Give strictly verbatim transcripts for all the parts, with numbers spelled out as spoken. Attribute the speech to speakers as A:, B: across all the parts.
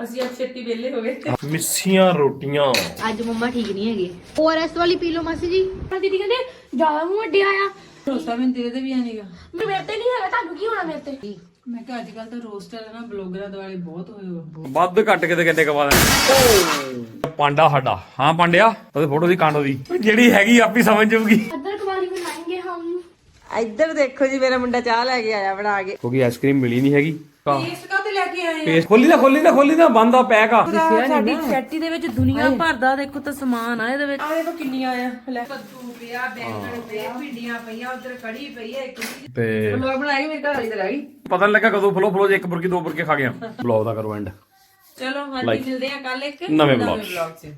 A: ਅਸੀਂ ਅੱਜ ਛੇਤੀ ਵਿਹਲੇ ਹੋ ਗਏ।
B: ਮਿੱਸੀਆਂ ਰੋਟੀਆਂ
C: ਅੱਜ ਮੰਮਾ ਠੀਕ ਨਹੀਂ ਹੈਗੇ। ਓਆਰਐਸ ਵਾਲੀ ਪੀ ਲਓ ਮਾਸੀ ਜੀ।
A: ਦੀਦੀ ਕਹਿੰਦੇ ਜ਼ਿਆਦਾ ਮੂੰਹ ਵੱਡਿਆ ਆ।
D: ਭਰੋਸਾ ਮੈਨੂੰ ਤੇਰੇ ਤੇ ਵੀ ਆਣੀਗਾ।
A: ਮੇਰੇ ਤੇ ਨਹੀਂ ਹੈਗਾ, ਤੁਹਾਨੂੰ ਕੀ ਹੋਣਾ ਮੇਰੇ ਤੇ?
D: ਮੈਂ ਕਿਹਾ ਅੱਜ ਕੱਲ ਤਾਂ ਰੋਸਟਰ ਹੈ ਨਾ ਬਲੌਗਰਾਂ ਦੁਆਲੇ ਬਹੁਤ ਹੋਏ ਹੋ।
B: ਵੱਧ ਘੱਟ ਕਿਤੇ ਕਿਤੇ ਕਵਾ ਦੇ ਪਾਂਡਾ ਸਾਡਾ। ਹਾਂ ਪਾਂਡਿਆ ਉਹਦੇ ਫੋਟੋ ਦੀ ਕਾਂਡੋ ਦੀ ਜਿਹੜੀ ਹੈਗੀ ਆਪੀ ਸਮਝ ਜਾਊਗੀ।
A: ਅੱਧਰ ਕਵਾਲੀ ਬਣਾਏਂਗੇ ਹਮ।
C: ਇੱਧਰ ਦੇਖੋ ਜੀ ਮੇਰਾ ਮੁੰਡਾ ਚਾਹ ਲੈ ਕੇ ਆਇਆ ਬਣਾ ਕੇ।
B: ਕਿਉਂਕਿ ਆਈਸਕ੍ਰੀਮ ਮਿਲੀ ਨਹੀਂ ਹੈਗੀ।
D: ਪੇਸਟ ਕਾ ਤੇ ਲੈ ਕੇ ਆਏ
B: ਪੇਸਟ ਖੋਲੀ ਨਾ ਖੋਲੀ ਨਾ ਖੋਲੀ ਨਾ ਬੰਦ ਆ ਪੈਕ ਆ।
D: ਸਾਡੀ ਚੈਟੀ ਦੇ ਵਿੱਚ ਦੁਨੀਆ ਭਰ ਦਾ ਦੇਖੋ ਤਾਂ ਸਮਾਨ ਆ ਇਹਦੇ ਵਿੱਚ। ਆ ਦੇਖੋ ਕਿੰਨੀਆਂ ਆ ਲੈ ਕੱਦੂ ਪਿਆ ਬੈਂਗਣ ਪਏ ਭਿੰਡੀਆਂ ਪਈਆਂ ਉਧਰ ਕੜੀ ਪਈ ਹੈ ਇੱਕ
B: ਤੇ
D: ਬਲੌਗ ਬਣਾਏਗੀ ਮੇਰੇ ਘਰ ਵਾਲੀ ਤੇ ਰਹਿ ਗਈ।
B: ਪਤਾ ਨਹੀਂ ਲੱਗਾ ਕਦੋਂ ਫਲੋ ਫਲੋ ਜੇ ਇੱਕ ਬੁਰਕੀ ਦੋ ਬੁਰਕੇ ਖਾ ਗਿਆ। ਬਲੌਗ ਦਾ ਕਰੋ ਐਂਡ।
D: ਚਲੋ ਹਾਂਜੀ ਮਿਲਦੇ ਆ ਕੱਲ ਇੱਕ
B: ਨਵੇਂ ਬਲੌਗ
D: ਚ।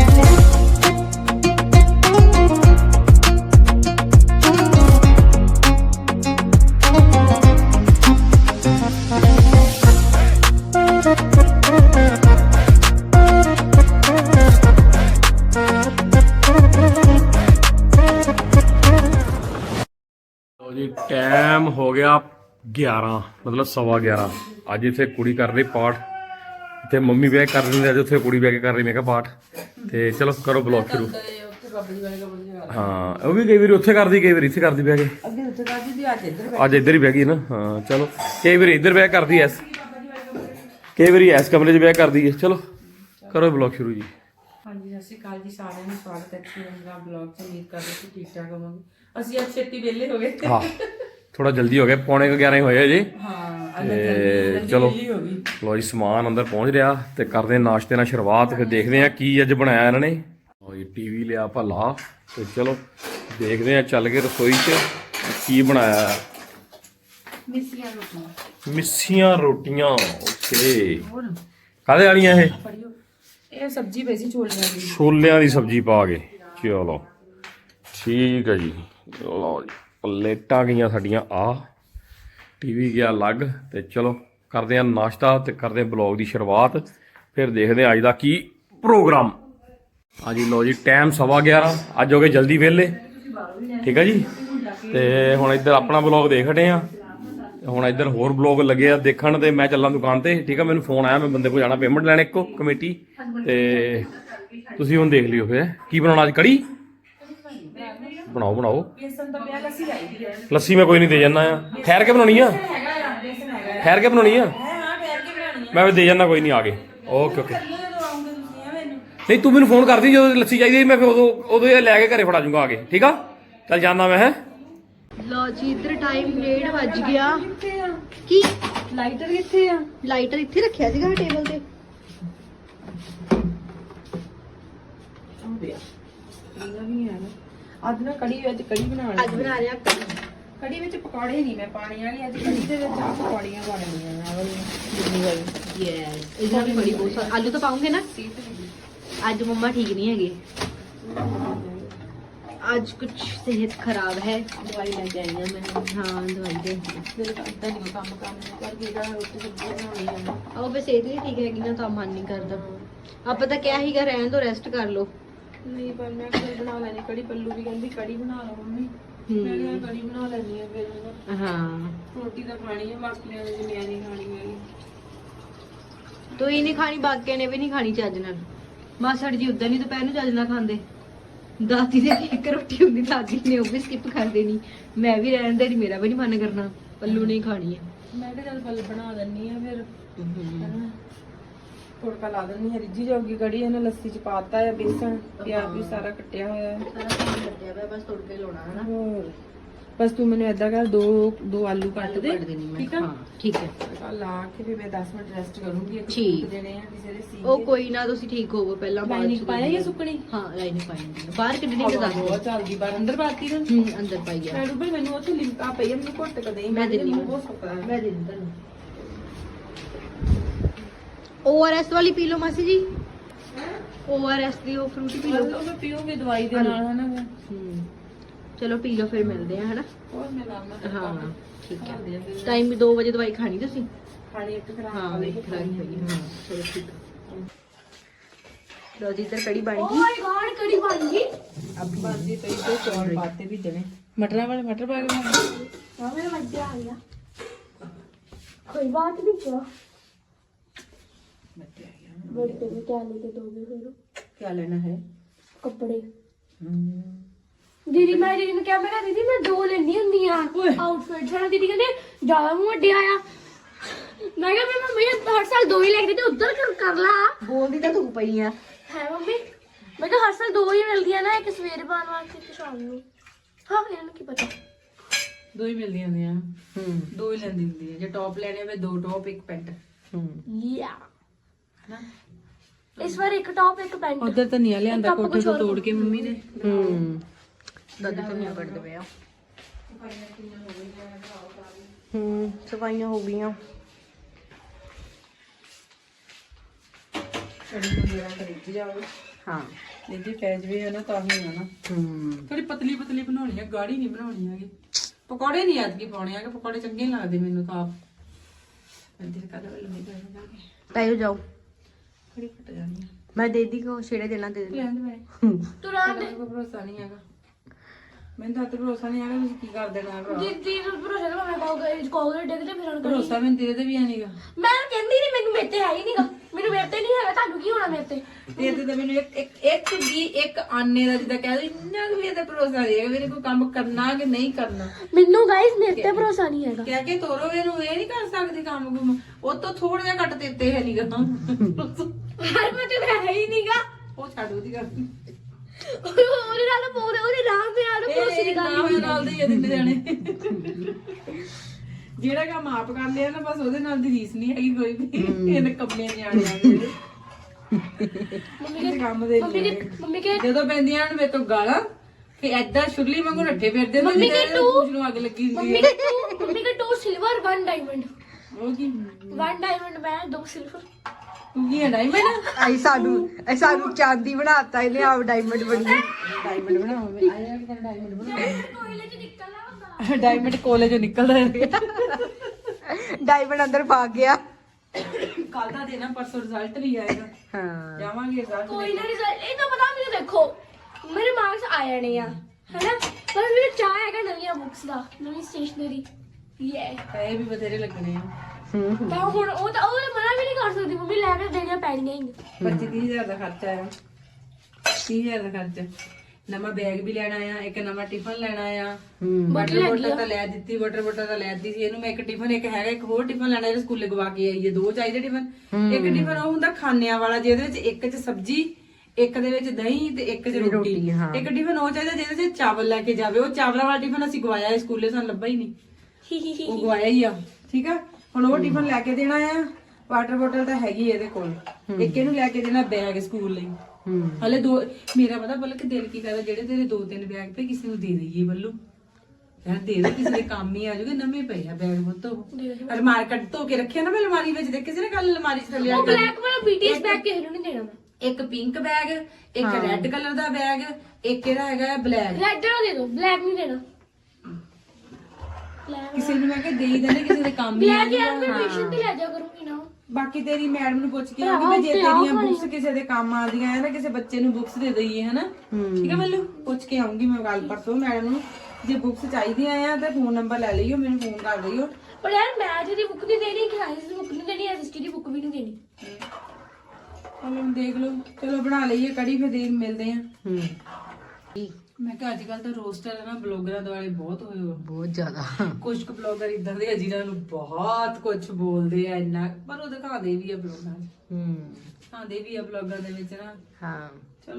B: ਜੀ ਟਾਈਮ ਹੋ ਗਿਆ ਗਿਆਰਾਂ ਮਤਲਬ ਸਵਾ ਗਿਆਰਾਂ। ਅੱਜ ਇੱਥੇ ਕੁੜੀ ਕਰ ਰਹੀ ਪਾਠ। ਇੱਥੇ ਮੰਮੀ ਵਿਆਹ ਕਰ ਰਹੇ ਨੇ, ਅੱਜ ਉੱਥੇ ਕੁੜੀ ਵਿਆਹ ਕੇ ਕਰ ਰਹੀ ਮੈਂ ਕਿਹਾ ਪਾਠ। ਤੇ ਚਲੋ ਕਰੋ ਬਲੌਗ ਸ਼ੁਰੂ। ਹਾਂ ਉਹ ਵੀ ਕਈ ਵਾਰੀ ਉੱਥੇ ਕਰਦੀ ਕਈ ਵਾਰੀ ਇੱਥੇ ਕਰਦੀ ਵਿਆਹ ਕੇ।
D: ਅੱਗੇ ਉੱਥੇ ਕਰਦੀ ਸੀ ਅੱਜ ਇੱਧਰ
B: ਅੱਜ ਇੱਧਰ ਹੀ ਬਹਿ ਗਈ ਨਾ। ਹਾਂ ਚਲੋ ਕਈ ਵਾਰੀ ਇੱਧਰ ਵਿਆਹ ਕਰਦੀ ਐ, ਕਈ ਵਾਰੀ ਇਸ ਕਮਰੇ 'ਚ ਵਿਆਹ ਕਰਦੀ ਹੈ। ਚਲੋ ਕਰੋ ਬਲੌਗ ਸ਼ੁਰੂ ਜੀ।
D: ਹਾਂਜੀ ਸਤਿ ਸ਼੍ਰੀ ਅਕਾਲ ਜੀ ਸਾਰਿਆਂ ਨੂੰ ਸਵਾਗਤ ਹੈ ਜੀ ਮੇਰਾ ਬਲੌਗ 'ਚ। ਉਮੀਦ ਕਰਦੇ ਸੀ ਠੀਕ ਠਾਕ ਹੋਵਾਂਗੇ।
A: ਅਸੀਂ ਅੱਜ ਛੇਤੀ ਵਿਹਲੇ ਹੋ ਗਏ।
B: ਹਾਂ ਥੋੜਾ ਜਲਦੀ ਹੋ ਗਿਆ, ਪੌਣੇ ਕੁ ਗਿਆਰਾਂ ਹੀ ਹੋਏ ਅਜੇ।
D: ਹਾਂ
B: ਤੇ ਚਲੋ ਲੋ ਜੀ ਸਮਾਨ ਅੰਦਰ ਪਹੁੰਚ ਰਿਹਾ ਤੇ ਕਰਦੇ ਹਾਂ ਨਾਸ਼ਤੇ ਨਾਲ ਸ਼ੁਰੂਆਤ। ਫਿਰ ਦੇਖਦੇ ਹਾਂ ਕੀ ਅੱਜ ਬਣਾਇਆ ਇਹਨਾਂ ਨੇ। ਲੋ ਜੀ ਟੀਵੀ ਲਿਆ ਭਲਾ ਤੇ ਚਲੋ ਦੇਖਦੇ ਹਾਂ ਚੱਲ ਕੇ ਰਸੋਈ 'ਚ ਕੀ ਬਣਾਇਆ।
D: ਮਿੱਸੀਆਂ ਰੋਟੀਆਂ
B: ਮਿੱਸੀਆਂ ਰੋਟੀਆਂ ਓਕੇ। ਕਾਹਦੇ ਵਾਲੀਆਂ ਇਹ?
D: ਇਹ ਸਬਜ਼ੀ ਪਈ ਸੀ ਛੋਲਿਆਂ ਦੀ।
B: ਛੋਲਿਆਂ ਦੀ ਸਬਜ਼ੀ ਪਾ ਕੇ ਚਲੋ ਠੀਕ ਹੈ ਜੀ। ਲਓ ਜੀ ਪਲੇਟਾਂ ਗਈਆਂ ਸਾਡੀਆਂ ਆ, ਟੀਵੀ ਗਿਆ ਅਲੱਗ। ਤੇ ਚਲੋ ਕਰਦੇ ਹਾਂ ਨਾਸ਼ਤਾ ਤੇ ਕਰਦੇ ਹਾਂ ਬਲੌਗ ਦੀ ਸ਼ੁਰੂਆਤ। ਫਿਰ ਦੇਖਦੇ ਹਾਂ ਅੱਜ ਦਾ ਕੀ ਪ੍ਰੋਗਰਾਮ। ਹਾਂਜੀ ਲਓ ਜੀ ਟਾਈਮ ਸਵਾ ਗਿਆਰਾਂ। ਅੱਜ ਹੋ ਗਏ ਜਲਦੀ ਵਿਹਲੇ ਠੀਕ ਹੈ ਜੀ। ਤੇ ਹੁਣ ਇੱਧਰ ਆਪਣਾ ਬਲੌਗ ਦੇਖ ਰਹੇ ਹਾਂ। ਹੁਣ ਇੱਧਰ ਹੋਰ ਬਲੌਗ ਲੱਗੇ ਆ ਦੇਖਣ ਤੇ ਮੈਂ ਚੱਲਾਂ ਦੁਕਾਨ ਤੇ ਠੀਕ ਆ। ਮੈਨੂੰ ਫੋਨ ਆਇਆ, ਮੈਂ ਬੰਦੇ ਕੋਲ ਜਾਣਾ ਪੇਮੈਂਟ ਲੈਣ ਇੱਕੋ ਕਮੇਟੀ। ਤੇ ਤੁਸੀਂ ਹੁਣ ਦੇਖ ਲਿਓ ਫਿਰ ਕੀ ਬਣਾਉਣਾ ਅੱਜ। ਕੜੀ ਬਣਾਓ ਬਣਾਓ। ਲੱਸੀ ਮੈਂ ਕੋਈ ਨਹੀਂ ਦੇ ਜਾਣਾ ਆ। ਠਹਿਰ ਕੇ ਬਣਾਉਣੀ ਆ, ਠਹਿਰ ਕੇ ਬਣਾਉਣੀ ਆ। ਮੈਂ ਵੀ ਦੇ ਜਾਣਾ ਕੋਈ ਨਹੀਂ ਆ ਗਏ। ਓਕੇ ਓਕੇ ਨਹੀਂ ਤੂੰ ਮੈਨੂੰ ਫੋਨ ਕਰਦੀ ਜਦੋਂ ਲੱਸੀ ਚਾਹੀਦੀ ਮੈਂ ਫਿਰ ਉਦੋਂ ਉਦੋਂ ਇਹ ਲੈ ਕੇ ਘਰੇ ਫੜਾ ਜੂੰਗਾ ਆ ਕੇ ਠੀਕ ਆ। ਚੱਲ ਜਾਂਦਾ ਮੈਂ ਹੈ।
C: ਲੋ ਜੀ ਇੱਧਰ ਟਾਈਮ ਡੇਢ ਵੱਜ ਗਿਆ। ਕੀ
D: ਲਾਈਟਰ ਕਿੱਥੇ ਆ?
C: ਲਾਈਟਰ ਇੱਥੇ ਰੱਖਿਆ ਸੀਗਾ ਟੇਬਲ ਤੇ।
D: ਅੱਜ ਨਾ ਕੜੀ ਵਿੱਚ ਕੜੀ ਬਣਾਉਣੀ।
C: ਅੱਜ ਬਣਾ ਰਿਹਾ ਕੜੀ।
D: ਕੜੀ ਵਿੱਚ ਪਕੌੜੇ ਨਹੀਂ ਮੈਂ ਪਾਣੀ ਵਾਲੀ। ਅੱਜ ਕੜੀ ਦੇ ਵਿੱਚ ਆ ਪਕੌੜੀਆਂ ਪਾਉਣੀਆਂ ਆ ਵਾਲੀ।
C: ਯੈਸ ਇਹਦਾ ਵੀ ਬੜੀ ਬਹੁਤ ਸਾਰਾ ਆਲੂ ਤਾਂ ਪਾਉਂਗੇ ਨਾ। ਅੱਜ ਮੰਮਾ ਠੀਕ ਨਹੀਂ ਹੈਗੇ। आज कुछ सेहत खराब है।
D: ਦਵਾਈ ਲੈ ਕੇ ਆਈ ਆ ਮੈਂ।
C: हाँ दवाई दे
D: ਮੇਰੇ ਕਰਦਾ ਨਹੀਂ ਕੰਮ ਕੰਮ ਕਰਕੇ ਦਾ ਰੋਟੀ ਸਬਜ਼ੀ ਬਣਾਉਣੀ ਆ।
C: ਉਹ ਬਸ ਇਹ ਵੀ ਠੀਕ ਹੈਗੀ ਨਾ ਤਾਂ ਮਨ ਨਹੀਂ ਕਰਦਾ। ਆਪਾਂ ਤਾਂ ਕਿਹਾ ਸੀਗਾ ਰਹਿਣ ਦੋ ਰੈਸਟ ਕਰ ਲਓ।
D: ਨਹੀਂ ਪਰ ਮੈਂ ਕੜੀ ਬਣਾ ਲੈਣੀ। ਕੜੀ ਪੱਲੂ ਵੀ ਕਹਿੰਦੀ ਕੜੀ ਬਣਾ ਲਓ ਮੰਮੀ। ਮੈਂ ਕਿਹਾ ਕੜੀ ਬਣਾ ਲੈਣੀ ਆ ਫਿਰ।
C: ਹਾਂ
D: ਰੋਟੀ ਤਾਂ ਖਾਣੀ ਆ ਬਾਕੀਆਂ ਨੇ ਮੈਂ ਨਹੀਂ ਖਾਣੀ ਹੈਗੀ।
C: ਤੂੰ ਹੀ ਨਹੀਂ ਖਾਣੀ, ਬਾਕੀਆਂ ਨੇ ਵੀ ਨਹੀਂ ਖਾਣੀ ਚੱਜ ਨਾਲ। ਮਾਸੜ ਜੀ ਉਦਾਂ ਨਹੀਂ ਦੁਪਹਿਰ ਨੂੰ ਚੱਜ ਨਾਲ ਖਾਂਦੇ। ਦਾਦੀ ਦੇ ਇੱਕ ਰੋਟੀ ਹੁੰਦੀ ਦਾਦੀ ਨੇ ਉਹ ਵੀ ਸਕਿਪ ਕਰ ਦੇਣੀ। ਮੈਂ ਵੀ ਰਹਿਣ ਦੇ, ਮੇਰਾ ਵੀ ਨਹੀਂ ਮਨ ਕਰਨਾ। ਪੱਲੂ ਨਹੀਂ ਖਾਣੀ ਹੈ।
D: ਮੈਂ ਕਿਹਾ ਚੱਲ ਪੱਲ ਬਣਾ ਦਿੰਨੀ ਆ ਫਿਰ ਤੜਕਾ ਲਾ ਦਿੰਨੀ ਆ। ਰਿੱਝੀ ਜਾਊਗੀ ਕੜੀ। ਇਹਨੇ ਲੱਸੀ ਚ ਪਾਤਾ ਹੈ ਬੇਸਣ ਪਿਆਜ਼ ਵੀ ਸਾਰਾ ਕੱਟਿਆ ਹੋਇਆ ਹੈ।
C: ਸਾਰਾ ਕੰਮ ਕੱਟਿਆ ਪਿਆ ਬਸ ਤੜਕੇ ਲਾਉਣਾ ਹੈ ਨਾ।
D: ਹੋਰ ਬਸ ਤੂੰ ਮੈਨੂੰ ਏਦਾਂ ਕਰ ਦੋ ਦੋ ਆਲੂ ਕੱਟ ਦੇ ਠੀਕ ਆ।
C: ਹਾਂ ਠੀਕ ਹੈ
D: ਲਾ ਕੇ ਫਿਰ ਮੈਂ ਦਸ ਮਿੰਟ ਰੈਸਟ ਕਰੂੰਗੀ। ਇੱਕ
C: ਠੀਕ।
D: ਸੁੱਕ ਦੇਣੇ ਆ ਕਿਸੇ ਦੇ ਸੀ।
C: ਉਹ ਕੋਈ ਨਾ ਤੁਸੀਂ ਠੀਕ ਹੋਵੋ ਪਹਿਲਾਂ ਬਾਅਦ
D: ਲਾਈਨਿੰਗ
C: ਚ
D: ਪਾਇਆ ਜਾਂ ਸੁੱਕਣੀ?
C: ਹਾਂ ਲਾਈਨਿੰਗ ਪਾਈ ਬਾਹਰ ਕੱਢਣੀ ਤੇ ਦੱਸ
D: ਬਹੁਤ ਚੱਲਦੀ ਬਾਹਰ ਅੰਦਰ ਪਾਤੀ ਨਾ।
C: ਹੂੰ ਅੰਦਰ ਪਾਈ ਗਿਆ।
D: ਮੈਂ ਰੂਬਲ ਮੈਨੂੰ ਉੱਥੇ ਲਿੰਕ ਆ ਪਈ ਆ ਮੈਨੂੰ ਘੁੱਟ ਕੇ ਦੇਈ।
C: ਮੈਂ ਦਿੰਦੀ
D: ਬਹੁਤ ਸੁੱਕਦਾ ਹੈ।
C: ਮੈਂ ਦਿੰਦੀ ਤੁਹਾਨੂੰ। ਓਆਰਐਸ ਵਾਲੀ ਪੀ ਲਓ ਮਾਸੀ ਜੀ। ਓਆਰਐਸ ਦੀ ਉਹ ਫਰੂਟੀ ਪੀ ਲਓ।
D: ਉਹ ਮੈਂ ਪੀਉਂਗੀ ਦਵਾਈ ਦੇ ਨਾਲ ਹਨਾ ਮੈਂ।
C: ਹੂੰ ਚਲੋ ਪੀ ਲਓ ਫਿਰ ਮਿਲਦੇ ਆ ਹਨਾ।
D: ਹੋਰ ਮੈਂ ਲਾਉਣਾ
C: ਹਾਂ ਠੀਕ ਹੈ। ਟਾਈਮ ਵੀ ਦੋ ਵਜੇ ਦਵਾਈ ਖਾਣੀ ਤੁਸੀਂ।
D: ਖਾਣੀ ਇੱਕ ਖਰਾਬ
C: ਹਾਂ
D: ਵਾਲੀ
C: ਖਰਾਈ ਪਈ ਹਾਂ ਚਲੋ ਠੀਕ ਹੈ। ਲੋ ਜੀ ਇੱਧਰ ਕੜੀ ਬਣ
A: ਓ
C: ਗਈ।
A: ਮਾਈ ਗॉड कड़ी बन गई।
D: अब बाजी तो इधर चौल पाते भी देने मटर वाले मटर पा के
A: हां मेरा मजा आ गया। कोई बात नहीं क्या बड़ी बड़ी क्या लेके दोगे फिर?
D: क्या लेना है?
A: कपड़े। दीदी मैं दीदी ने क्या मैं कहा दीदी मैं दो लेनी ਹੁੰਦੀ ਆ ਆਊਟਫਿਟ ਸਾਡਾ ਦੀਦੀ ਕਹਿੰਦੇ ਜ਼ਿਆਦਾ ਮੂੰਹ ਵੱਡੇ ਆਇਆ ਮੈਂ ਕਿਹਾ ਮੈਂ ਮੰਮੀ ਹਰ ਸਾਲ ਦੋ ਹੀ ਲੈ ਕੇ ਤੇ ਉਧਰ ਕਰ ਕਰ ਲਾ
C: ਬੋਲਦੀ ਤਾਂ ਤੂੰ ਪਈ ਆ
A: ਹੈ ਮੰਮੀ ਮੈਂ ਕਿਹਾ ਹਰ ਸਾਲ ਦੋ ਹੀ ਮਿਲਦੀਆਂ ਨਾ ਇੱਕ ਸਵੇਰੇ ਪਾਉਣ ਵਾਸਤੇ ਇੱਕ ਸ਼ਾਮ ਨੂੰ ਹਾਂ ਇਹਨਾਂ ਨੂੰ ਕੀ ਪਤਾ
D: ਦੋ ਹੀ ਮਿਲਦੀਆਂ ਹੁੰਦੀਆਂ ਹੂੰ ਦੋ ਹੀ ਲੈਂਦੀ ਹੁੰਦੀ ਹੈ ਜੇ ਟੌਪ ਲੈਣੇ ਹੋਵੇ ਦੋ ਟੌਪ ਇੱਕ ਪੈਂਟ
C: ਹੂੰ
A: ਲਿਆ ਇਸ ਵਾਰ ਇੱਕ ਟੌਪ ਇੱਕ ਪੈਂਟ
D: ਉਧਰ ਤਾਂ ਨਹੀਂ ਲਿਆਂਦਾ ਕੋਠੇ ਤੋਂ ਤੋੜ ਕੇ ਮੰਮੀ ਨੇ
C: ਹੂੰ ਦਾਦੀ ਤਾਂ ਨਹੀਂ ਕੱਢਦੇ ਪਿਆ ਹੂੰ ਸਫਾਈਆਂ ਹੋ ਗਈਆਂ
D: ਥੋੜੀ ਮੰਗਰਾ ਖਰੀਦ ਜਾਓ
C: ਹਾਂ
D: ਇਹਦੀ ਪੈਜ ਵੀ ਹੈ ਨਾ ਤਾਂ ਹੀ ਹੈ ਨਾ
C: ਹੂੰ
D: ਥੋੜੀ ਪਤਲੀ ਪਤਲੀ ਬਣਾਉਣੀ ਹੈ ਗਾੜੀ ਨਹੀਂ ਬਣਾਉਣੀ ਹੈਗੀ ਪਕੌੜੇ ਨਹੀਂ ਅੱਜ ਕੀ ਪਾਉਣੇ ਹੈਗੇ ਪਕੌੜੇ ਚੰਗੇ ਨਹੀਂ ਲੱਗਦੇ ਮੈਨੂੰ ਤਾਂ ਆਪ ਅੰਦਰ ਕਦਾ ਵੱਲ ਨਹੀਂ ਜਾਣਗੇ
C: ਤਾਇਓ ਜਾਓ
D: ਖੜੀ ਕੱਟ ਜਾਣੀ ਹੈ
C: ਮੈਂ ਦੇ ਦੀ ਕੋ ਛੇੜੇ ਦੇਣਾ ਦੇ ਦੇ
D: ਲੈਣ ਦੇ ਮੈਂ
A: ਤੂੰ ਰਹਿਣ ਦੇ
D: ਕੋਈ ਭਰੋਸਾ ਨਹੀਂ ਹੈਗਾ ਮੈਨੂੰ ਤਾਂ ਤੇ ਭਰੋਸਾ ਨਹੀਂ ਹੈਗਾ ਤੁਸੀਂ ਕੀ ਕਰ ਦੇਣਾ ਭਰਾ
A: ਦੀਦੀ ਨੂੰ ਭਰੋਸਾ ਤਾਂ ਮੈਂ ਕਹੂੰਗਾ ਕਹੂੰਗਾ ਡਿੱਗਦੇ ਫਿਰ ਹੁਣ
D: ਭਰੋਸਾ ਮੈਨੂੰ ਤੇਰੇ ਤੇ ਵੀ ਨਹੀਂਗਾ
A: ਮੈਂ ਕਹਿੰਦੀ ਨਹੀਂ ਮੈਨੂੰ ਮੇਰੇ ਤੇ ਹੈ ਹੀ ਨਹੀਂਗਾ ਮੈਨੂੰ ਮੇਰੇ ਤੇ ਨਹੀਂ ਹੈਗਾ ਤੁਹਾਨੂੰ ਕੀ ਹੋਣਾ ਮੇਰੇ ਤੇ
D: ਤੇਰੇ ਤੇ ਤਾਂ ਮੈਨੂੰ ਇੱਕ ਇੱਕ ਇੱਕ ਵੀ ਇੱਕ ਆਨੇ ਦਾ ਜਿੱਦਾਂ ਕਹਿ ਦੋ ਇੰਨਾ ਕੁ ਵੀ ਇਹਦਾ ਭਰੋਸਾ ਨਹੀਂ ਹੈਗਾ ਮੇਰੇ ਕੋਈ ਕੰਮ ਕਰਨਾ ਕਿ ਨਹੀਂ ਕਰਨਾ
A: ਮੈਨੂੰ ਗਾਇਸ ਮੇਰੇ ਤੇ ਭਰੋਸਾ ਨਹੀਂ ਹੈਗਾ
D: ਕਹਿ ਕੇ ਤੋਰੋ ਇਹਨੂੰ ਇਹ ਨਹੀਂ ਕਰ ਸਕਦੀ ਕੰਮ ਕੁਮ ਉਹ ਤੋਂ ਥੋੜਾ ਜਿਹਾ ਘੱਟ ਦਿੱਤੇ ਹੈ ਨਹੀਂਗਾ
A: ਹਰ ਮੈਂ ਤੇ ਹੈ ਹੀ ਨਹੀਂਗਾ
D: ਉਹ ਛੱਡ ਉਹਦੀ ਗੱਲ
A: ਉਹਦੇ ਨਾਲ ਪੂਰੇ ਉਹਦੇ ਰਾਮ ਦੇ ਨਾਲ ਭਰੋਸੇ ਦੀ ਗੱਲ
D: ਇਹ ਨਾਲ ਦੇ ਹੀ ਆ ਦਿੰਦੇ ਜਾਣੇ ਜਿਹੜਾ ਕੰਮ ਆਪ ਕਰ ਲਿਆ ਨਾ ਬਸ ਉਹਦੇ ਨਾਲ ਦੀ ਰੀਸ ਨਹੀਂ ਹੈਗੀ ਕੋਈ ਵੀ ਇਹਨੇ ਕੰਮੇ ਨਿਆਣੇ ਆ ਜਿਹੜੇ
A: ਮੰਮੀ
D: ਇਹ ਕੰਮ ਦੇ
A: ਮੰਮੀ ਕੇ ਮੰਮੀ ਕੇ
D: ਜਦੋਂ ਪੈਂਦੀਆਂ ਹਨ ਮੇਰੇ ਤੋਂ ਗਾਲਾਂ ਕਿ ਐਦਾਂ ਛੁਰਲੀ ਵਾਂਗੂ ਰੱਠੇ ਫਿਰਦੇ ਨੇ
A: ਮੰਮੀ ਕੇ ਟੂ
D: ਕੁਝ ਨੂੰ ਅੱਗ ਲੱਗੀ ਹੁੰਦੀ
A: ਮੰਮੀ ਕੇ ਟੂ ਮੰਮੀ ਕੇ ਟੂ ਸਿਲਵਰ वन ਡਾਇਮੰਡ
D: ਉਹ ਕੀ
A: वन ਡਾਇਮੰਡ ਮੈਂ ਦੋ ਸਿਲਵਰ
D: ਤੂੰ ਕੀ ਹੈ ਡਾਇਮੰਡ
C: ਆਈ ਸਾਨੂੰ ਐ ਸਾਨੂੰ ਚਾਂਦੀ ਬਣਾਤਾ ਇਹਨੇ ਆਪ ਡਾਇਮੰਡ ਬਣ ਗਈ
D: ਡਾਇਮੰਡ ਬਣਾਓ ਮੈਂ ਆਇਆ ਕਿ ਡਾਇਮੰਡ ਬਣਾਓ
A: ਕੋਇਲੇ ਚ ਨਿਕਲਣਾ ਹੁੰਦਾ
D: ਡਾਇਮੰਡ ਕਾਲਜ ਚੋਂ ਨਿਕਲਦਾ ਹੈ
C: ਡਾਇਮੰਡ ਅੰਦਰ ਭਾਗ ਗਿਆ
D: ਕੱਲ ਦਾ ਦੇਣਾ ਪਰਸੋਂ ਰਿਜ਼ਲਟ ਵੀ ਆਏਗਾ
C: ਹਾਂ
D: ਜਾਵਾਂਗੇ ਰਿਜ਼ਲਟ
A: ਕੋਈ ਨਾ ਰਿਜ਼ਲਟ ਇਹ ਤਾਂ ਪਤਾ ਮੈਨੂੰ ਦੇਖੋ ਮੇਰੇ ਮਾਰਕਸ ਆ ਜਾਣੇ ਆ ਹੈਨਾ ਪਰ ਮੈਨੂੰ ਚਾਹ ਹੈਗਾ ਨਵੀਆਂ ਬੁੱਕਸ ਦਾ ਨਵੀਂ ਸਟੇਸ਼ਨਰੀ ਯੇ
D: ਇਹ ਵੀ ਬਥੇਰੇ ਲੱਗਣੇ ਆ
C: ਹੂੰ
A: ਤਾਂ ਹੁਣ ਉਹ ਤਾਂ ਉਹ ਤਾਂ ਮਨਾ ਵੀ ਨਹੀਂ ਕਰ ਸਕਦੀ ਮੰਮੀ ਲੈ ਕੇ ਦੇਣੀਆਂ ਪੈਣੀਆਂ ਹੀ
D: ਪੱਚੀ ਤੀਹ ਹਜ਼ਾਰ ਦਾ ਖਰਚਾ ਆਇਆ ਤੀਹ ਹਜ਼ਾਰ ਦਾ ਖਰਚਾ ਨਵਾਂ ਬੈਗ ਵੀ ਲੈਣਾ ਆ ਇੱਕ ਨਵਾਂ ਟਿਫਨ ਲੈਣਾ ਆ ਵਾਟਰ ਬੋਟਲ ਤਾਂ ਲੈ ਦਿੱਤੀ ਵਾਟਰ ਬੋਟਲ ਤਾਂ ਲੈ ਦਿੱਤੀ ਸੀ ਇਹਨੂੰ ਮੈਂ ਇੱਕ ਟਿਫਨ ਇੱਕ ਹੈਗਾ ਇੱਕ ਹੋਰ ਟਿਫਨ ਲੈਣਾ ਜਿਹੜਾ ਸਕੂਲੇ ਗਵਾ ਕੇ ਆਈ ਹੈ ਦੋ ਚਾਹੀਦੇ ਟਿਫਨ ਇੱਕ ਟਿਫਨ ਉਹ ਹੁੰਦਾ ਖਾਣਿਆਂ ਵਾਲਾ ਜਿਹਦੇ ਵਿੱਚ ਇੱਕ 'ਚ ਸਬਜ਼ੀ ਇੱਕ ਦੇ ਵਿੱਚ ਦਹੀਂ ਤੇ ਇੱਕ 'ਚ ਰੋਟੀ ਇੱਕ ਟਿਫਨ ਉਹ ਚਾਹੀਦਾ ਜਿਹਦੇ 'ਚ ਚਾਵਲ ਲੈ ਕੇ ਜਾਵੇ ਉਹ ਚਾਵਲਾਂ ਵਾਲਾ ਟਿਫਨ ਅਸੀਂ ਗਵਾਇਆ ਹੈ ਸਕੂਲੇ ਸਾਨੂੰ ਲੱਭਾ ਹੀ ਨਹੀਂ ਉਹ ਗਵਾਇਆ ਹੀ ਆ ਠੀਕ ਆ ਹੁਣ ਉਹ ਟਿਫਨ ਲੈ ਕੇ ਦੇਣਾ ਆ ਵਾਟਰ ਬੋਟਲ ਤਾਂ ਹੈਗੀ ਇਹਦੇ ਕੋਲ ਇੱਕ ਇਹਨੂੰ ਲੈ ਕੇ ਦੇਣਾ ਬੈਗ ਸਕੂਲ ਲਈ ਹਲੇ ਦੋ ਮੇਰਾ ਪਤਾ ਬਲਕ ਦਿਲ ਕੀ ਕਰਦਾ ਜਿਹੜੇ ਤੇਰੇ ਦੋ ਤਿੰਨ ਬੈਗ ਪਏ ਕਿਸੇ ਨੂੰ ਦੇ ਦਈਏ ਬੱਲੂ ਯਾਰ ਦੇ ਦੇ ਕਿਸੇ ਦੇ ਕੰਮ ਹੀ ਆ ਜਾਊਗੇ ਨਵੇਂ ਪਏ ਆ ਬੈਗ ਬੁੱਤੋ ਅਲਮਾਰੀ ਕੱਢ ਧੋ ਕੇ ਰੱਖਿਆ ਨਾ ਮੈਂ ਅਲਮਾਰੀ ਵਿੱਚ ਦੇਖ ਕਿਸੇ ਨੇ ਕੱਲ ਅਲਮਾਰੀ ਚ ਥੱਲੇ
A: ਉਹ ਬਲੈਕ ਵਾਲਾ ਬੀਟੀਐਸ ਬੈਗ ਕਿਸੇ ਨੂੰ ਨਹੀਂ ਦੇਣਾ ਮੈਂ
D: ਇੱਕ ਪਿੰਕ ਬੈਗ ਇੱਕ ਰੈੱਡ ਕਲਰ ਦਾ ਬੈਗ ਇੱਕ ਇਹਦਾ ਹੈਗਾ ਬਲੈਕ
A: ਰੈੱਡ ਦਾ ਦੇ ਦੋ ਬਲੈਕ ਨਹੀਂ ਦੇਣਾ
D: ਕਿਸੇ ਨੂੰ ਮੈਂ ਕਿ ਦੇ ਹੀ ਦੇਣੇ ਕਿਸੇ ਦੇ ਕੰਮ ਹੀ ਆ
A: ਬਲੈਕ ਯਾਰ ਮੈਂ ਟਿਊਸ਼ਨ ਤੇ ਲੈ ਜਾ ਕਰੂੰਗੀ ਨਾ
D: ਬਾਕੀ ਤੇਰੀ ਮੈਡਮ ਨੂੰ ਪੁੱਛ ਕੇ ਆਉਂਗੀ ਵੀ ਜੇ ਤੇਰੀਆਂ ਬੁੱਕਸ ਕਿਸੇ ਦੇ ਕੰਮ ਆਉਂਦੀਆਂ ਹੈ ਨਾ ਕਿਸੇ ਬੱਚੇ ਨੂੰ ਬੁੱਕਸ ਦੇ ਦਈਏ ਹਨਾ ਠੀਕ ਹੈ ਬੱਲੂ ਪੁੱਛ ਕੇ ਆਉਂਗੀ ਮੈਂ ਕੱਲ ਪਰਸੋਂ ਮੈਡਮ ਨੂੰ ਜੇ ਬੁੱਕਸ ਚਾਹੀਦੀਆਂ ਆ ਤਾਂ ਫੋਨ ਨੰਬਰ ਲੈ ਲਈਓ ਮੈਨੂੰ ਫੋਨ ਕਰ ਦਈਓ
A: ਪਰ ਯਾਰ ਮੈਥ ਦੀ ਬੁੱਕ ਨਹੀਂ ਦੇਣੀ ਸਾਇੰਸ ਦੀ ਬੁੱਕ ਨਹੀਂ ਦੇਣੀ ਐਸਐਸਟੀ ਦੀ ਬੁੱਕ ਵੀ ਨਹੀਂ ਦੇਣੀ
D: ਚਲੋ ਦੇਖ ਲਓ ਚਲੋ ਬਣਾ ਲਈਏ ਕੜੀ ਫਿਰ ਦੇਰ ਮਿਲਦੇ ਆ
C: ਹੂੰ
D: ਮੈਂ ਕਿਹਾ ਅੱਜ ਕੱਲ ਤਾਂ ਰੋਸਟਰ ਹੈ ਨਾ ਬਲੌਗਰਾਂ ਦੁਆਲੇ ਬਹੁਤ ਹੋਏ ਹੋ
C: ਬਹੁਤ ਜ਼ਿਆਦਾ
D: ਕੁਝ ਕੁ ਬਲੌਗਰ ਇਦਾਂ ਦੇ ਆ ਜਿਨ੍ਹਾਂ ਨੂੰ ਬਹੁਤ ਕੁਝ ਬੋਲਦੇ ਆ ਇੰਨਾ ਪਰ ਉਹ ਦਿਖਾਉਂਦੇ ਵੀ ਆ ਬਲੌਗਾਂ 'ਚ
C: ਹੂੰ
D: ਦਿਖਾਉਂਦੇ ਵੀ ਆ ਬਲੌਗਾਂ ਦੇ ਵਿੱਚ ਨਾ
C: ਹਾਂ
D: ਚਲੋ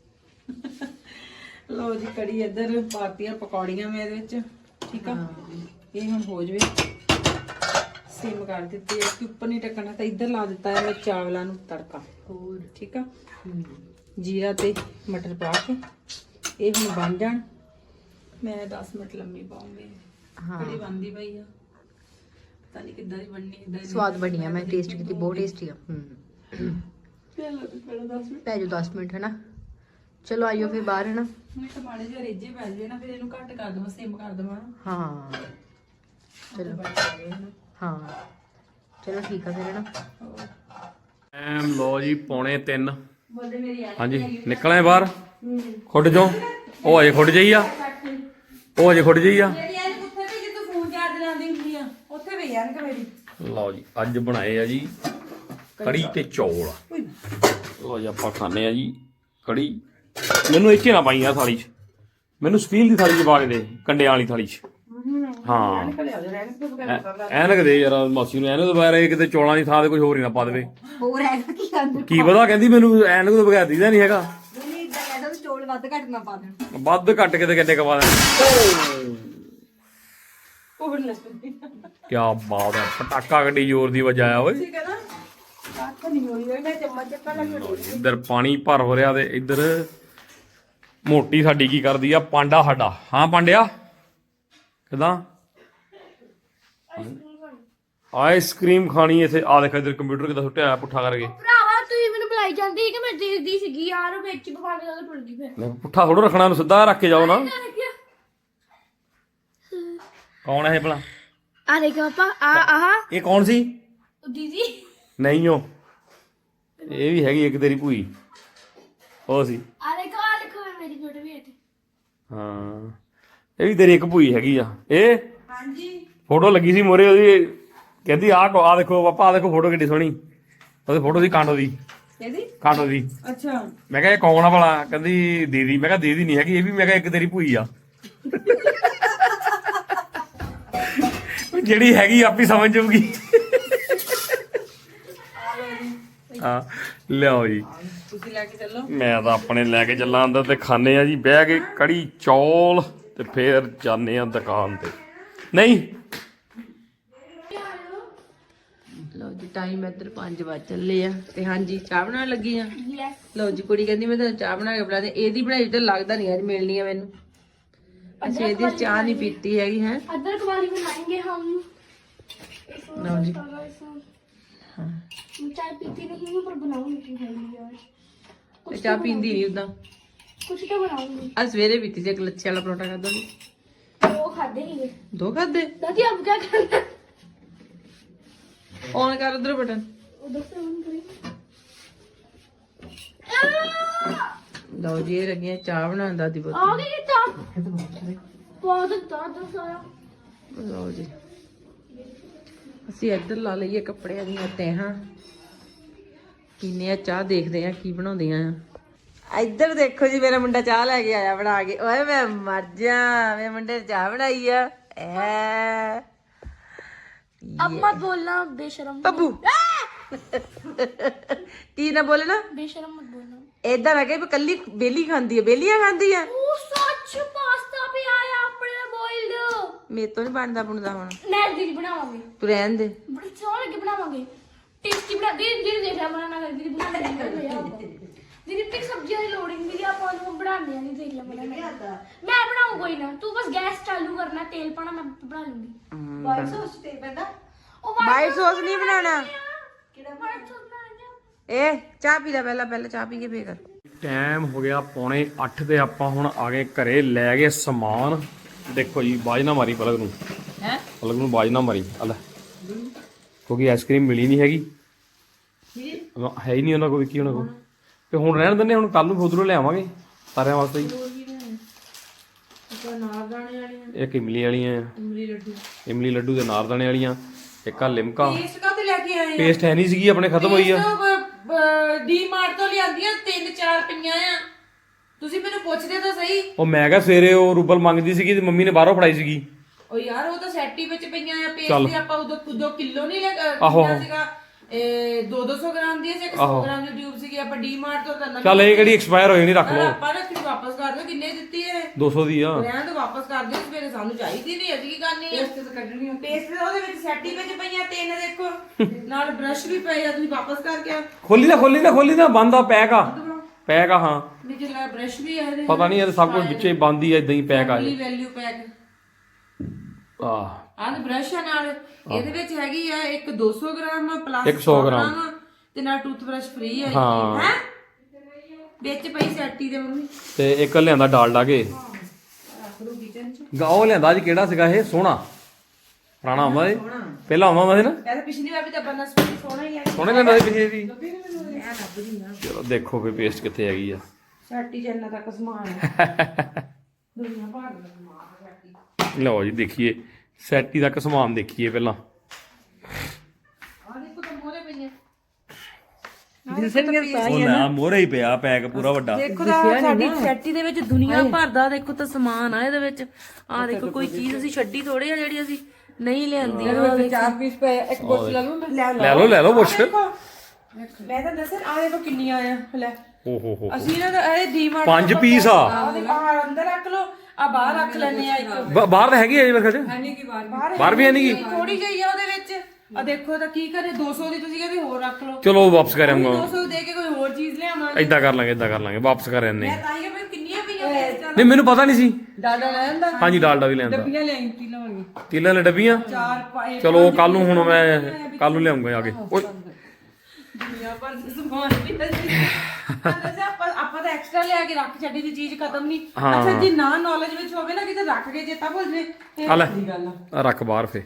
D: ਲਓ ਜੀ ਕੜੀ ਇੱਧਰ ਪਾਤੀਆਂ ਪਕੌੜੀਆਂ ਮੈਂ ਇਹਦੇ ਵਿੱਚ ਠੀਕ ਆ ਇਹ ਹੁਣ ਹੋ ਜਵੇ ਸਿਮ ਕਰ ਦਿੱਤੀ ਹੈ ਕਿ ਉੱਪਰ ਨਹੀਂ ਟਕਣਾ ਤਾਂ ਇੱਧਰ ਲਾ ਦਿੱਤਾ ਹੈ ਮੈਂ ਚਾਵਲਾਂ ਨੂੰ ਤੜਕਾ ਹੋਰ ਠੀਕ ਆ ਜੀਰਾ ਤੇ ਮਟਰ ਪਾ ਕੇ ਇਹ ਹੁਣ ਬਣ ਜਾਣ ਮੈਂ ਦਸ ਮਿੰਟ ਲੰਮੀ ਪਾਉਂਗੀ
C: ਹਾਂ
D: ਕੜੀ ਬਣਦੀ ਪਈ ਆ ਪਤਾ ਨਹੀਂ ਕਿੱਦਾਂ ਦੀ ਬਣਨੀ ਇਦਾਂ
C: ਸਵਾਦ ਬਣੀ ਆ ਮੈਂ ਟੇਸਟ ਕੀਤੀ ਬਹੁਤ ਟੇਸਟੀ ਆ ਹੂੰ
D: ਚਲੋ ਪਹਿਲਾਂ ਦਸ ਮਿੰਟ
C: ਪੈ ਜਾਓ ਦਸ ਮਿੰਟ ਹੈ ਨਾ ਚਲੋ ਆਇਓ ਫਿਰ ਬਾਹਰ ਹੈ ਨਾ
D: ਮੈਂ ਟਮਾਟੇ ਜਿਹੇ ਰੇਜੇ ਪੈ ਜਾਵੇ ਨਾ ਫਿਰ ਇਹਨੂੰ ਘੱਟ ਕਰ ਦਵਾਂ ਸਿਮ ਕਰ ਦਵਾਂ
C: ਹਾਂ ਚਲੋ ਹਾਂ ਚਲੋ ਠੀਕ ਆ ਫਿਰ ਹੈ ਨਾ
B: ਐਮ ਲੋ ਜੀ ਪੌਣੇ ਤਿੰਨ ਹਾਂਜੀ ਨਿਕਲੇ ਬਾਹਰ ਖੁੱਡ ਜੋ ਉਹ ਅਜੇ ਖੁੱਡ ਜਾਈ ਆ ਉਹ ਅਜੇ ਖੁੱਡ ਜਾਈ ਆ
D: ਉੱਥੇ ਵੀ ਜਿੱਦੋਂ ਫੋਨ ਚਾਰਜ ਲਾਉਂਦੀ ਹੁੰਦੀ ਆ ਉੱਥੇ ਵੀ ਯਾਰ ਮੇਰੀ
B: ਲਓ ਜੀ ਅੱਜ ਬਣਾਏ ਆ ਜੀ ਕੜੀ ਤੇ ਚੌਲ। ਲੋ ਜੀ ਆਪਾਂ ਖਾਣੇ ਆ ਜੀ ਕੜੀ। ਮੈਨੂੰ ਇੱਥੇ ਨਾ ਪਾਈ ਆ ਥਾਲੀ 'ਚ, ਮੈਨੂੰ ਸਟੀਲ ਦੀ ਥਾਲੀ 'ਚ ਪਾ ਕੇ ਦੇ, ਕੰਡਿਆਂ ਵਾਲੀ ਥਾਲੀ 'ਚ। ਹਾਂ ਐਨਕ ਦੇ ਯਾਰ ਮਾਸੀ ਨੂੰ, ਐਨਕ ਤੋਂ ਬਗੈਰ ਇਹ ਕਿਤੇ ਚੌਲਾਂ ਦੀ ਥਾਂ ਤੇ ਕੁਝ ਹੋਰ ਹੀ ਨਾ ਪਾ ਦੇਵੇ।
C: ਹੋਰ ਹੈਗਾ ਕੀ ਖਾਂਦੇ
B: ਕੀ ਪਤਾ, ਕਹਿੰਦੀ ਮੈਨੂੰ ਐਨਕ ਤੋਂ ਬਗੈਰ ਦੀਦਾ ਨਹੀਂ ਹੈਗਾ।
C: ਨਹੀਂ ਇਦਾਂ ਕਹਿੰਦਾ ਚੌਲ ਵੱਧ ਘੱਟ ਨਾ ਪਾ ਦੇਣ।
B: ਵੱਧ ਘੱਟ ਕੇ ਤੇ ਕਿੰਨੇ ਕਵਾ ਦੇਣ। ਕੀ ਬਾਤ ਹੈ, ਪਟਾਕਾ ਗੱਡੀ ਜ਼ੋਰ ਦੀ ਵਜਾਇਆ ਓਏ। ਇੱਧਰ ਪਾਣੀ ਭਰ ਹੋ ਰਿਹਾ ਤੇ ਇੱਧਰ ਮੋਟੀ ਸਾਡੀ ਕੀ ਕਰਦੀ ਆ, ਪਾਂਡਾ ਸਾਡਾ। ਹਾਂ ਪਾਂਡਿਆ ਕਿਦਾਂ ਆਈਸਕ੍ਰੀਮ ਖਾਣੀ ਇੱਥੇ? ਆ ਦੇਖ ਇੱਧਰ ਕੰਪਿਊਟਰ ਕਿੱਦਾਂ ਸੁੱਟਿਆ ਹੋਇਆ ਪੁੱਠਾ ਕਰਕੇ।
A: ਭਰਾਵਾ ਤੁਸੀਂ ਮੈਨੂੰ ਬੁਲਾਈ ਜਾਂਦੀ ਸੀ ਕਿ ਮੈਂ ਦੇਖਦੀ ਸੀਗੀ ਯਾਰ, ਵਿੱਚ ਪਵਾ ਕੇ ਗੱਲ ਟੁੱਟ ਗਈ ਫਿਰ।
B: ਮੈਂ ਪੁੱਠਾ ਥੋੜਾ ਰੱਖਣਾ, ਉਹਨੂੰ ਸਿੱਧਾ ਰੱਖ ਕੇ ਜਾਓ ਨਾ। ਕੌਣ ਹੈ ਇਹ ਭਲਾ?
A: ਆ ਦੇਖ ਪਾਪਾ, ਆ ਆਹ
B: ਇਹ ਕੌਣ ਸੀ?
A: ਦੀਦੀ
B: ਨਹੀਂ ਉਹ, ਇਹ ਵੀ ਹੈਗੀ ਇੱਕ ਤੇਰੀ ਭੂਈ, ਉਹ ਸੀ।
A: ਆ ਦੇਖੋ, ਆ ਦੇਖੋ ਮੇਰੀ ਫੋਟੋ ਵੀ ਹੈ ਇੱਥੇ।
B: ਹਾਂ ਇਹ ਵੀ ਤੇਰੀ ਇੱਕ ਭੂਈ ਹੈਗੀ ਆ। ਇਹ
D: ਹਾਂਜੀ
B: ਫੋਟੋ ਲੱਗੀ ਸੀ ਮੋਰੇ ਉਹਦੀ, ਕਹਿੰਦੀ ਆਹ ਆ ਦੇਖੋ ਪਾਪਾ, ਆ ਦੇਖੋ ਫੋਟੋ ਕਿੱਡੀ ਸੋਹਣੀ। ਉਹਦੀ ਫੋਟੋ ਸੀ ਕਾਂਡੋ ਦੀ,
D: ਇਹਦੀ
B: ਕਾਂਡੋ ਦੀ।
D: ਅੱਛਾ
B: ਮੈਂ ਕਿਹਾ ਇਹ ਕੌਣ ਆ ਭਲਾ? ਕਹਿੰਦੀ ਦੀਦੀ। ਮੈਂ ਕਿਹਾ ਦੀਦੀ ਨਹੀਂ ਹੈਗੀ, ਇਹ ਵੀ ਮੈਂ ਕਿਹਾ ਇੱਕ ਤੇਰੀ ਭੂਈ ਆ। ਜਿਹੜੀ ਹੈਗੀ ਆਪੀ ਸਮਝ ਜਾਊਗੀ। ਹਾਂ ਲਿਆਓ ਜੀ,
D: ਤੁਸੀਂ ਲੈ ਕੇ ਚੱਲੋ।
B: ਮੈਂ ਤਾਂ ਆਪਣੇ ਲੈ ਕੇ ਚੱਲਾਂ ਅੰਦਰ ਤੇ ਖਾਣੇ ਆ ਜੀ ਬਹਿ ਕੇ ਕੜੀ ਚੌਲ, ਤੇ ਫੇਰ ਜਾਂਦੇ ਆ ਦੁਕਾਨ ਤੇ। ਨਹੀਂ
C: ਲਓ ਜੀ ਟਾਈਮ ਇੱਧਰ ਪੰਜ ਵਜ ਚੱਲੇ ਆ ਤੇ ਹਾਂਜੀ ਚਾਹ ਬਣਾਉਣ ਲੱਗੀ ਆ।
A: ਯੈਸ।
C: ਲਓ ਜੀ ਕੁੜੀ ਕਹਿੰਦੀ ਮੈਂ ਤਾਂ ਚਾਹ ਬਣਾ ਕੇ ਬੁਲਾ ਦੇ। ਇਹਦੀ ਬਣਾਈ ਤਾਂ ਲੱਗਦਾ ਨਹੀਂ ਅੱਜ ਮਿਲਣੀ ਆ ਮੈਨੂੰ। ਅਸੀਂ ਇਹਦੀ ਚਾਹ ਨਹੀਂ ਪੀਤੀ ਹੈਗੀ ਹੈ।
A: अदरक वाली बनाएंगे हम।
C: ਲਓ ਜੀ
A: हाँ चाय पीती नहीं हूँ पर बनाऊंगी यार।
C: ਤੇ ਚਾਹ ਪੀਂਦੀ ਨਹੀਂ ਉਦਾਂ।
A: कुछ तो बनाऊंगी।
C: ਆ ਸਵੇਰੇ ਪੀਤੀ ਸੀ ਇੱਕ ਲੱਛੇ ਵਾਲਾ ਪਰੌਂਠਾ ਖਾਦਾ ਨਹੀਂ।
A: वो खाते ही है
C: ਦੋ ਖਾਦੇ।
A: दादी अब क्या करना?
C: ਔਨ ਕਰ ਉਧਰ ਬਟਨ।
A: उधर से ऑन करें।
C: ਲਓ ਜੀ ਇਹ ਲੱਗੀਆਂ ਚਾਹ ਬਣਾਉਣ ਦਾਦੀ ਪੁੱਤ।
A: आ गई कितना? बहुत ज्यादा सारा।
C: ਲਓ ਜੀ ਅਸੀਂ ਇੱਧਰ ਲਾ ਲਈਏ ਕੱਪੜਿਆਂ ਦੀਆਂ ਤਹਿਾਂ। ਪੀਨੇ ਆ ਚਾਹ, ਦੇਖਦੇ ਆ ਕੀ ਬਣਾਉਂਦੀਆਂ ਆ। ਇੱਧਰ ਦੇਖੋ ਜੀ ਮੇਰਾ ਮੁੰਡਾ ਚਾਹ ਲੈ ਕੇ ਆਇਆ ਬਣਾ ਕੇ। ਓਏ ਮੈਂ ਮਰ ਜਾ, ਮੇਰੇ ਮੁੰਡੇ ਨੇ ਚਾਹ ਬਣਾਈ ਆ। ਐ
A: अब मत बोलना बेशरम।
C: ਬੱਬੂ ਕੀ ਨਾ ਬੋਲੇ ਨਾ,
A: बेशरम मत बोलना।
C: ਏਦਾਂ ਲੱਗੇ ਵੀ ਕੱਲੀ ਬੇਲੀ ਖਾਂਦੀ ਆ, ਬੇਲੀਆਂ ਖਾਂਦੀ ਆ।
A: ओ सच पास्ता भी आया अपने बॉइल्ड।
C: ਮੇਰੇ ਤੋਂ ਨਹੀਂ ਬਣਦਾ ਬਣਦਾ ਹੁਣ।
A: मैं दीदी बनावांगे।
C: ਤੂੰ ਰਹਿਣ ਦੇ।
A: बड़ी सोहने लगे बनावांगे। टेस्टी बना दीदी दीदी देख रहा बना कर दीदी बना कर दीदी तक सब्जियां दी लोडिंग दीदी आप वो बनाने नहीं देख लिया मैंने। मैं बनाऊं कोई ना, तू बस गैस चालू करना, तेल पाना, मैं बना लूंगी।
D: ਵਾਈਟ ਸੌਸ ਤੇ ਪੈਂਦਾ।
A: ओ
C: ਵਾਈਟ ਸੌਸ ਨਹੀਂ ਬਣਾਉਣਾ।
A: किड़ा वाइट सॉस बनाना।
C: ਏ ਚਾਹ ਪੀ ਲੈ ਪਹਿਲਾਂ, ਪਹਿਲਾਂ ਚਾਹ ਪੀ ਕੇ ਫੇਰ ਕਰ।
B: ਟਾਈਮ ਹੋ ਗਿਆ ਪੌਣੇ ਅੱਠ ਤੇ ਆਪਾਂ ਹੁਣ ਆ ਗਏ ਘਰੇ, ਲੈ ਗਏ ਸਮਾਨ। ਦੇਖੋ ਜੀ ਬਾਜ ਨਾ ਮਾਰੀ ਪਲਕ ਨੂੰ,
C: ਹੈ
B: ਪਲਕ ਨੂੰ ਬਾਜ ਨਾ ਮਾਰੀ ਆ ਲੈ, ਕਿਉਂਕਿ ਆਈਸਕ੍ਰੀਮ ਮਿਲੀ ਨਹੀਂ ਹੈਗੀ, ਹੈ ਹੀ ਨਹੀਂ ਉਹਨਾਂ ਕੋਲ, ਕੀ ਉਹਨਾਂ ਕੋਲ। ਤੇ ਹੁਣ ਰਹਿਣ ਦਿੰਦੇ, ਹੁਣ ਕੱਲ ਨੂੰ ਉਧਰੋਂ ਲਿਆਵਾਂਗੇ ਸਾਰਿਆਂ ਵਾਸਤੇ ਹੀ। ਇੱਕ ਇਮਲੀ ਵਾਲੀਆਂ, ਇਮਲੀ ਲੱਡੂ ਦੇ ਨਾਰਦਾਣੇ ਵਾਲੀਆਂ, ਇੱਕ ਆ ਲਿਮਕਾ।
D: ਪੇਸਟ ਕਾਹਤੇ ਲੈ ਕੇ ਆਏ ਆ?
B: ਪੇਸਟ ਹੈ ਨਹੀਂ ਸੀਗੀ, ਆਪਣੇ ਖਤਮ ਹੋਈ ਆ।
D: ਡੀ ਮਾਰਟ ਤੋਂ ਲਿਆਂਦੀਆਂ ਤਿੰਨ ਚਾਰ ਪਈਆਂ ਆ। ਤੁਸੀਂ ਮੈਨੂੰ ਪੁੱਛਦੇ ਤਾਂ ਸਹੀ।
B: ਉਹ ਮੈਂ ਕਿਹਾ ਸਵੇਰੇ ਉਹ ਰੂਬਲ ਮੰਗਦੀ ਸੀਗੀ ਤੇ ਮੰਮੀ ਨੇ ਬਾਹਰੋਂ ਫੜਾਈ ਸੀਗੀ।
D: ਉਹ ਯਾਰ ਉਹ ਤਾਂ ਸੈਟੀ ਵਿੱਚ ਪਈਆਂ ਆ।
B: ਚੱਲ।
D: ਪੇਸਟ ਆਪਾਂ ਉਦੋਂ ਦੋ ਕਿਲੋ ਨਹੀਂ ਲੈ
B: ਆਹੋ।
D: ਕਿੰਨਾ ਸੀਗਾ, ਇਹ ਦੋ ਦੋ ਸੌ ਗ੍ਰਾਮ ਦੀ ਸੀ, ਇੱਕ ਸੌ ਗ੍ਰਾਮ ਦੀ ਟਿਊਬ ਸੀਗੀ। ਆਪਾਂ ਡੀ ਮਾਰਟ ਤੋਂ ਤਾਂ ਨਵੀਂ
B: ਚੱਲ ਇਹ ਕਿਹੜੀ ਐਕਸਪਾਇਰ ਹੋਈ ਨਹੀਂ, ਰੱਖ ਲਓ।
D: ਆਪਾਂ ਰੱਖੀ ਵਾਪਸ ਕਰ ਦਿਓ। ਕਿੰਨੇ ਦਿੱਤੀ ਹੈ?
B: ਦੋ ਸੌ ਦੀ ਆ।
D: ਰਹਿਣ ਤੋਂ ਵਾਪਸ ਕਰ ਦਿਓ। ਸਵੇਰੇ ਸਾਨੂੰ ਚਾਹੀਦੀ ਨਹੀਂ, ਅਸੀਂ ਕੀ ਕਰਨੀ ਹੈ? ਪੇਸਟ ਤਾਂ ਕੱਢਣੀ ਹੈ। ਪੇਸਟ ਉਹਦੇ ਵਿੱਚ ਸੈਟੀ ਵਿੱਚ ਪਈਆਂ ਤਿੰਨ, ਦੇਖੋ ਨਾਲ ਬ੍ਰਸ਼ ਵੀ ਪਏ ਆ। ਤੁਸੀਂ ਵਾਪਸ ਕਰਕੇ ਆ।
B: ਖੋਲੀ ਨਾ ਖੋਲੀ ਨਾ ਖੋਲੀ ਨਾ, ਬੰਦ ਆ, ਪੈਕ ਆ, ਪੈਕ ਆ। ਹਾਂ
D: ਵਿੱਚ ਲਾ ਬ੍ਰਸ਼ ਵੀ ਹੈ ਇਹਦੇ।
B: ਪਤਾ ਨਹੀਂ ਇਹ ਸਭ ਕੁਝ ਵਿੱਚੇ ਬੰਦ ਹੀ ਆ, ਇਦਾਂ ਹੀ ਪੈਕ ਆ।
D: Family value pack.
B: ਆਹ
D: ਆਹ ਬ੍ਰਸ਼ ਆ ਨਾਲ। ਇਹਦੇ ਵਿੱਚ ਹੈਗੀ ਆ ਇੱਕ ਦੋ ਸੌ ਗ੍ਰਾਮ ਪਲੱਸ
B: ਇੱਕ ਸੌ ਗ੍ਰਾਮ
D: ਤੇ ਨਾਲ ਟੂਥ ਬ੍ਰਸ਼ ਫ੍ਰੀ ਹੈ।
B: ਹਾਂ।
D: ਹੈ ਵਿੱਚ ਪਈ ਸੈਟੀ ਦੇ ਮੰਮੀ।
B: ਤੇ ਇੱਕ ਲਿਆਂਦਾ ਡਾਲਡਾ ਕੇ,
D: ਰੱਖ ਲਓ ਕਿਚਨ ਚ।
B: ਗਾਓ ਲਿਆਂਦਾ ਜੀ, ਕਿਹੜਾ ਸੀਗਾ ਇਹ? ਸੋਹਣਾ ਪੁਰਾਣਾ ਆਉਂਦਾ ਇਹ, ਪਹਿਲਾਂ ਆਉਂਦਾ ਸੀ ਨਾ।
D: ਇਹ ਤਾਂ ਪਿਛਲੀ ਵਾਰ ਵੀ ਤਾਂ ਬੰਨਾ ਸੋਹਣਾ ਹੀ ਹੈ।
B: ਸੋਹਣੇ ਲਿਆਂਦਾ ਸੀ ਪਿਛੇ ਵੀ। ਚਲੋ ਦੇਖੋ ਫੇ ਪੇਸਟ ਕਿੱਥੇ ਹੈਗੀ ਆ।
D: ਸੈਟੀ ਚ ਇੰਨਾ ਤੱਕ ਸਮਾਨ ਹੈ। ਦੁਨੀਆ ਭਰ ਦਾ ਸਮਾਨ ਹੈ ਸੈਟੀ।
B: ਲਓ ਜੀ ਦੇਖੀਏ ਸੈਟੀ ਤੱਕ ਸਮਾਨ ਦੇਖੀਏ ਪਹਿਲਾਂ।
D: ਆਹ ਦੇਖੋ ਤਾਂ ਮੋਰੇ ਪਈਆਂ। ਦਿਸਣਗੇ ਤਾਂ
B: ਉਹ ਲੈ ਮੋਰੇ ਹੀ ਪਿਆ ਪੈਕ ਪੂਰਾ ਵੱਡਾ।
E: ਦੇਖੋ ਤਾਂ ਸਾਡੀ ਫੈਕਟਰੀ ਦੇ ਵਿੱਚ ਦੁਨੀਆ ਭਰ ਦਾ ਦੇਖੋ ਤਾਂ ਸਮਾਨ ਆ ਇਹਦੇ ਵਿੱਚ। ਆ ਦੇਖੋ ਕੋਈ ਚੀਜ਼ ਅਸੀਂ ਛੱਡੀ ਥੋੜੀ ਆ ਜਿਹੜੀ ਅਸੀਂ ਨਹੀਂ ਲਿਆਂਦੀ।
D: ਇਹਦੇ ਚਾਰ ਪੀਸ ਪਏ, ਇੱਕ ਬੋਤਲ ਲੈ ਲਵਾਂ ਮੈਂ?
B: ਲੈ ਲਓ ਲੈ ਲਓ ਪੁੱਛ।
E: ਮੈਂ ਤਾਂ ਦੱਸਣ ਆ ਦੇਖੋ ਕਿੰਨੀਆਂ ਆ ਲੈ।
B: ਓ ਹੋ ਹੋ
E: ਅਸੀਂ ਨਾ ਇਹ ਡੀਮਾਰਟ
B: ਪੰਜ ਪੀਸ ਆ।
E: ਆ ਅੰਦਰ ਰੱਖ ਲਓ, ਆ ਬਾਹਰ ਰੱਖ ਲੈਣੇ ਆ ਇੱਕ।
B: ਬ- ਬਾਹਰ ਤਾਂ ਹੈਗੀ ਆ ਜੀ ਮੇਰੇ ਖਿਆਲ ਚ।
D: ਨਹੀਂ ਕੀ ਬਾਰ
B: ਬਾਹਰ ਵੀ ਹੈ ਨਹੀਂ ਗੀ।
E: ਥੋੜੀ ਜਿਹੀ ਆ ਉਹਦੇ ਵਿੱਚ। ਆ ਦੇਖੋ ਤਾਂ ਕੀ ਕਰੇ, ਦੋ ਸੌ ਦੀ ਤੁਸੀਂ ਕਹਿੰਦੇ ਹੋਰ ਰੱਖ ਲਓ।
B: ਚਲੋ ਵਾਪਸ ਕਰ ਆਉਂਗਾ।
E: ਦੋ ਸੌ ਦੇ ਕੇ ਕੋਈ ਹੋਰ ਚੀਜ਼ ਲਿਆਵਾਂਗੇ।
B: ਏਦਾਂ ਕਰ ਲਾਂਗੇ ਏਦਾਂ ਕਰ ਲਾਂਗੇ ਵਾਪਸ ਕਰ ਆਨੇ।
E: ਮੈਂ ਤਾਂ ਹੀ ਕਿਹਾ ਕਿੰਨੀਆਂ ਪਈਆਂ ਵੇਚਾਂ।
B: ਨਹੀਂ ਮੈਨੂੰ ਪਤਾ ਨਹੀਂ ਸੀ।
D: ਡਾਡਾ ਲੈ ਆਂਦਾ,
B: ਹਾਂਜੀ ਡਾਲਡਾ ਵੀ ਲੈਂਦਾ।
D: ਡੱਬੀਆਂ ਲਿਆਈ ਕੀ ਲਵਾਂਗੇ?
B: ਤੀਲਾਂ ਨੇ ਡੱਬੀਆਂ।
E: ਚਾਰ ਪਾਏ
B: ਚਲੋ ਕੱਲ ਨੂੰ ਹੁਣ ਮੈਂ ਕੱਲ ਨੂੰ ਲਿਆਉਂਗਾ ਆ ਕੇ। ਓਏ
E: ਦੁਨੀਆ ਭਰ ਦੇ ਸਮਾਨ ਵੀ ਦੱਸੀ। ਦੱਸਿਆ ਆਪਾਂ ਆਪਾਂ ਤਾਂ ਐਕਸਟਰਾ ਲਿਆ ਕੇ ਰੱਖ ਛੱਡੀ ਦੀ ਚੀਜ਼ ਖਤਮ ਨਹੀਂ। ਅੱਛਾ ਜੀ ਨਾ ਨੌਲੇਜ ਵਿੱਚ ਹੋਵੇ ਨਾ ਕਿਤੇ ਰੱਖ ਕੇ ਚੇਤਾ ਭੁੱਲ ਜੇ ਇਹ
B: ਆ ਲੈ
E: ਵੱਡੀ ਗੱਲ ਆ।
B: ਆ ਰੱਖ ਬਾਹਰ ਫੇ।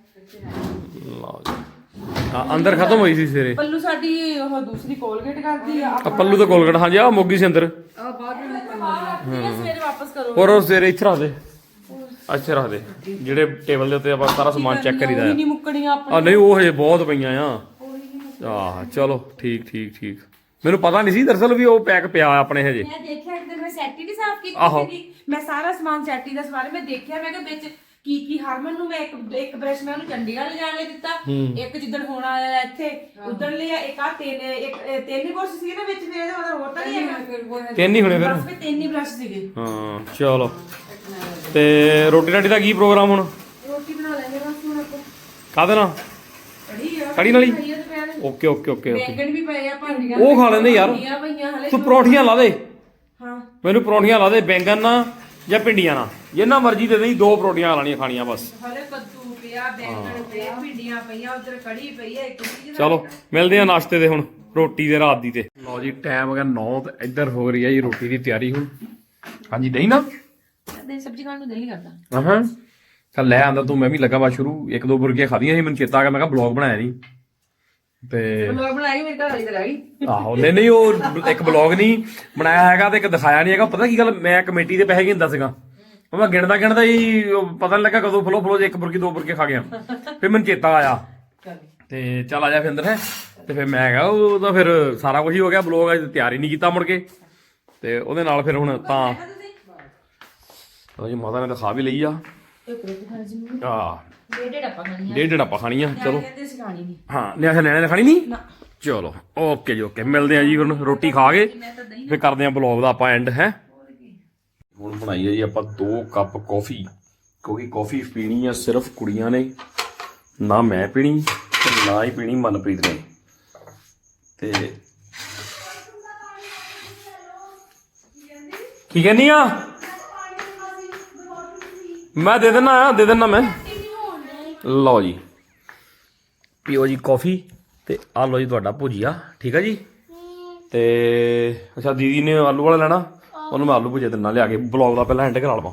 B: ਲਓ ਜੀ ਆ ਅੰਦਰ ਖਤਮ ਹੋਈ ਸੀ ਸਵੇਰੇ।
E: ਪੱਲੂ ਸਾਡੀ ਉਹ ਦੂਸਰੀ ਕੋਲਗੇਟ ਕਰਦੀ ਆ।
B: ਆ ਪੱਲੂ ਤਾਂ ਕੋਲਗੜ ਹਾਂਜੀ ਆ ਮੋਗੀ ਸੀ ਅੰਦਰ।
D: ਆ ਬਾਅਦ ਵਿੱਚ
E: ਸਵੇਰੇ ਵਾਪਸ ਕਰੋ।
B: ਹੋਰ ਉਹ ਸਵੇਰੇ ਇੱਥੇ ਰੱਖ ਦੇ। ਅੱਛੇ ਰੱਖ ਦੇ ਜਿਹੜੇ ਟੇਬਲ ਦੇ ਉੱਤੇ ਆਪਾਂ ਸਾਰਾ ਸਮਾਨ ਚੈੱਕ ਕਰੀਦਾ
E: ਨਹੀਂ ਮੁੱਕਣੀਆਂ ਆਪਾਂ।
B: ਆ। ਨਹੀਂ ਉਹ ਹਜੇ ਬਹੁਤ ਪਈਆਂ ਆ। ਆਹ ਚਲੋ ਠੀਕ ਠੀਕ ਠੀਕ। ਮੈਨੂੰ ਪਤਾ ਨਹੀਂ ਸੀ ਦਰਅਸਲ ਵੀ ਉਹ ਪੈਕ ਪਿਆ ਆਪਣੇ ਹਜੇ।
E: ਮੈਂ ਦੇਖਿਆ ਇੱਕ ਦਿਨ ਮੈਂ ਸੈਟੀ ਨਹੀਂ ਸਾਫ਼ ਕੀਤੀ
B: ਆਹੋ।
E: ਸੀਗੀ। ਮੈਂ ਸਾਰਾ ਸਮਾਨ ਸੈਟੀ ਦਾ ਸਵਾਰੇ ਮੈਂ ਦੇਖਿਆ। ਮੈਂ ਕਿਹਾ ਵਿੱਚ ਕੀ ਕੀ ਹਰਮਨ ਨੂੰ ਮੈਂ ਇੱਕ ਇੱਕ ਬ੍ਰਸ਼ ਮੈਂ ਉਹਨੂੰ ਚੰਡੀਗੜ੍ਹ ਲਿਜਾਣ ਲਈ ਦਿੱਤਾ। ਇੱਕ ਜਿੱਦਣ ਹੋਣ ਆਇਆ ਇੱਥੇ ਉਦਣ ਲਿਆ। ਇੱਕ ਆ ਤਿੰਨ ਇੱਕ ਇਹ ਤਿੰਨ ਹੀ ਬ੍ਰਸ਼ ਸੀਗੇ ਨਾ ਵਿੱਚ ਮੇਰੇ ਇਹਦਾ ਮਤਲਬ ਹੋਰ ਤਾਂ ਨਹੀਂ ਹੈਗਾ।
B: ਤਿੰਨ ਹੀ ਹੋਣੇ ਫਿਰ।
E: ਬਸ ਫਿਰ ਤਿੰਨ ਹੀ ਬ੍ਰਸ਼ ਸੀਗੇ।
B: ਹਾਂ ਚਲੋ ਤੇ ਰੋਟੀ ਰਾਟੀ ਦਾ ਕੀ ਪ੍ਰੋਗਰਾਮ ਹੁਣ?
E: ਰੋਟੀ ਬਣਾ ਲੈਣੇ ਬਸ ਹੁਣ ਆਪਾਂ।
B: ਕਾਹਦੇ ਨਾਲ?
E: ਕੜੀ ਆ
B: ਕੜੀ ਨਾਲ ਹੀ?
E: ਕੜੀ ਆ ਤੇ ਪਿਆਜ਼।
B: Okay okay okay okay.
E: ਬੈਂਗਣ ਵੀ ਪਏ ਆ ਭਾਂਡੀਆਂ।
B: ਉਹ ਖਾ ਲੈਂਦੇ ਯਾਰ।
E: ਭਿੰਡੀਆਂ ਪਈਆਂ ਹਲੇ।
B: ਤੂੰ ਪਰੌਂਠੀਆਂ ਲਾ ਦੇ।
E: ਹਾਂ
B: ਮੈਨੂੰ ਪਰੌਂਠੀਆਂ ਲਾ ਦੇ ਬੈਂਗਣ ਨਾਲ ਜਾਂ ਭਿੰਡੀਆਂ ਨਾਲ। ਜਿੰਨਾ ਮਰਜ਼ੀ ਦੇ ਦੇ ਦੋ ਪਰੌਂਠੀਆਂ ਲਾਣੀਆਂ ਖਾਣੀਆਂ ਬਸ।
E: ਹਲੇ ਕੱਦੂ ਪਿਆ, ਬੈਂਗਣ ਪਏ, ਭਿੰਡੀਆਂ ਪਈਆਂ, ਉਧਰ ਕੜੀ ਪਈ ਆ ਇੱਕ ਚੀਜ਼।
B: ਚਲੋ ਮਿਲਦੇ ਆ ਨਾਸ਼ਤੇ ਦੇ ਹੁਣ ਰੋਟੀ ਦੇ ਰਾਤ ਦੀ ਤੇ। ਲਓ ਜੀ ਟਾਈਮ ਹੋ ਗਿਆ ਨੌ ਤੇ ਇੱਧਰ ਹੋ ਰਹੀ ਹੈ ਜੀ ਰੋਟੀ ਦੀ ਤਿਆਰੀ ਹੁਣ। ਹਾਂਜੀ ਨਹੀਂ ਨਾ
E: ਦੇ ਸਬਜ਼ੀ ਖਾਣ ਨੂੰ ਦਿਲ ਨਹੀਂ ਕਰਦਾ।
B: ਹਾਂ ਚੱਲ ਲੈ ਆਂਦਾ ਤੂੰ। ਮੈਂ ਵੀ ਲੱਗਾ ਵਾ ਸ਼ੁਰੂ ਇੱਕ ਦੋ ਬੁਰਗੀਆਂ ਖਾਧੀਆਂ ਸੀ। ਮੈਨੂੰ ਚੇਤਾ ਆ ਗਿਆ ਮੈਂ ਕਿਹਾ ਬਲੌਗ ਬਣਾਇਆ ਨਹੀਂ ਤੇ
E: ਬਲੌਗ ਬਣਾਈ ਮੇਰੇ ਘਰ ਵਾਲੀ ਤੇ ਰਹਿ ਗਈ।
B: ਆਹੋ ਨਹੀਂ ਨਹੀਂ ਉਹ ਇੱਕ ਬਲੌਗ ਨਹੀਂ ਬਣਾਇਆ ਹੈਗਾ ਤੇ ਇੱਕ ਦਿਖਾਇਆ ਨਹੀਂ ਹੈਗਾ। ਪਤਾ ਕੀ ਗੱਲ ਮੈਂ ਕਮੇਟੀ ਦੇ ਪੈਸੇ ਗਿਣਦਾ ਸੀਗਾ। ਉਹ ਮੈਂ ਗਿਣਦਾ ਗਿਣਦਾ ਹੀ ਪਤਾ ਨਹੀਂ ਲੱਗਾ ਕਦੋਂ ਫਲੋ ਫਲੋ ਇੱਕ ਬੁਰਗੀ ਦੋ ਬੁਰਗੇ ਖਾ ਗਿਆ। ਫਿਰ ਮੈਨੂੰ ਚੇਤਾ ਆਇਆ ਤੇ ਚੱਲ ਆ ਜਾ ਫਿਰ ਅੰਦਰ ਹੈ। ਤੇ ਫਿਰ ਮੈਂ ਕਿਹਾ ਉਹ ਤਾਂ ਫਿਰ ਸਾਰਾ ਕੁਝ ਹੀ ਹੋ ਗਿਆ। ਬਲੌਗ ਅਜੇ ਤਿਆਰ ਹੀ ਨਹੀਂ ਕੀਤਾ ਮੁੜ ਕੇ ਤੇ ਉਹਦੇ ਨਾਲ ਫਿਰ ਹੁਣ ਤਾਂ ਜੀ ਮਾਤਾ ਨੇ ਤਾਂ ਖਾ ਵੀ ਲਈ ਆ। ਆ
E: ਡੇਢ ਆਪਾਂ ਖਾਣੀ
B: ਡੇਢ ਡੇਢ ਆਪਾਂ ਖਾਣੀ ਆ। ਚਲੋ
E: ਕਹਿੰਦੇ ਸੀ ਖਾਣੀ ਨਹੀਂ।
B: ਹਾਂ ਨਿਆਣੇ ਨਿਆਣੇ ਨੇ ਖਾਣੀ ਨਹੀਂ। ਚਲੋ ਓਕੇ ਜੀ ਓਕੇ ਮਿਲਦੇ ਆ ਜੀ ਹੁਣ ਰੋਟੀ ਖਾ ਕੇ ਫਿਰ ਕਰਦੇ ਆ ਬਲੌਗ ਦਾ ਆਪਾਂ ਐਂਡ ਹੈ। ਹੁਣ ਬਣਾਈ ਹੈ ਜੀ ਆਪਾਂ ਦੋ ਕੱਪ ਕੌਫੀ ਕਿਉਂਕਿ ਕੌਫੀ ਪੀਣੀ ਆ ਸਿਰਫ ਕੁੜੀਆਂ ਨੇ ਨਾ ਮੈਂ ਪੀਣੀ ਤੇ ਨਾ ਹੀ ਪੀਣੀ ਮਨਪ੍ਰੀਤ ਨੇ। ਤੇ ਕੀ ਕਹਿੰਦੀ ਆ? ਮੈਂ ਦੇ ਦਿੰਦਾ ਦੇ ਦਿੰਦਾ ਮੈਂ। ਲਓ ਜੀ ਪੀਓ ਜੀ ਕੌਫੀ ਤੇ ਆ ਲਓ ਜੀ ਤੁਹਾਡਾ ਭੁਜੀਆ ਠੀਕ ਆ ਜੀ। ਤੇ ਅੱਛਾ ਦੀਦੀ ਨੇ ਆਲੂ ਵਾਲਾ ਲੈਣਾ ਉਹਨੂੰ ਮੈਂ ਆਲੂ ਭੁਜੀਆ ਦਿੰਦਾ ਲਿਆ ਕੇ। ਬਲੌਗ ਦਾ ਪਹਿਲਾਂ ਐਂਡ ਕਰਾ ਲਵਾਂ।